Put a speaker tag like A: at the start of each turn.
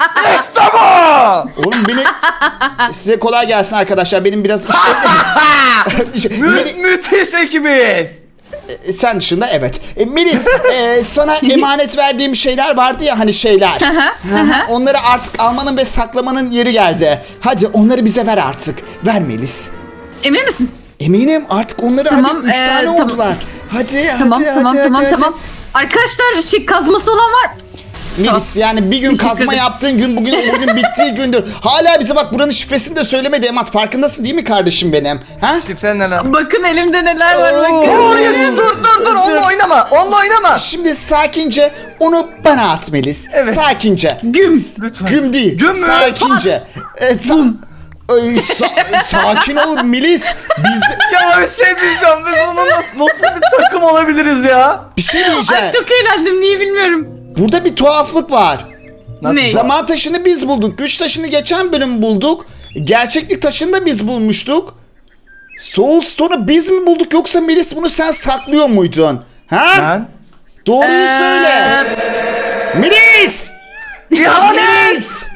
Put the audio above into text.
A: İşte bu.
B: Oğlum beni... Size kolay gelsin arkadaşlar. Benim biraz
A: Müthiş ekibiz.
B: Sen dışında evet. Melis, sana emanet verdiğim şeyler vardı ya, hani şeyler. Onları artık almanın ve saklamanın yeri geldi. Hadi onları bize ver artık. Ver Melis.
C: Emin misin?
B: Eminim artık onları,
C: Tamam,
B: hadi 3 tane
C: tamam.
B: oldular. Hadi
C: Tamam.
B: hadi.
C: Arkadaşlar kazması olan var.
B: Melis, yani bir gün
C: Teşekkür
B: kazma
C: ederim.
B: yaptığın gün bugün oyunun bittiği gündür. Hala bize bak, buranın şifresini de söylemedi Emat. Farkındasın değil mi kardeşim benim? Ha?
A: Şifre ne lan?
C: Bakın elimde neler var bakın.
A: Hayır, dur. Onunla oynama. Onunla oynama.
B: Şimdi sakince onu bana at Melis.
A: Evet.
B: Sakince.
C: Güm.
A: Lütfen.
B: Güm değil.
A: Güm mü?
B: Sakince. Sakin ol Melis. Biz de...
A: Ya bir şey diyeceğim. Biz onunla nasıl bir takım olabiliriz ya?
B: Bir şey diyeceğim.
C: Ay çok eğlendim, niye bilmiyorum.
B: Burada bir tuhaflık var.
A: Nasıl?
C: Ne?
B: Zaman taşını biz bulduk. Güç taşını geçen bölüm bulduk. Gerçeklik taşını da biz bulmuştuk. Soul Stone'u biz mi bulduk, yoksa Melis bunu sen saklıyor muydun? Ha?
A: Ben?
B: Doğruyu söyle. Melis!
A: İhanet!
B: Melis!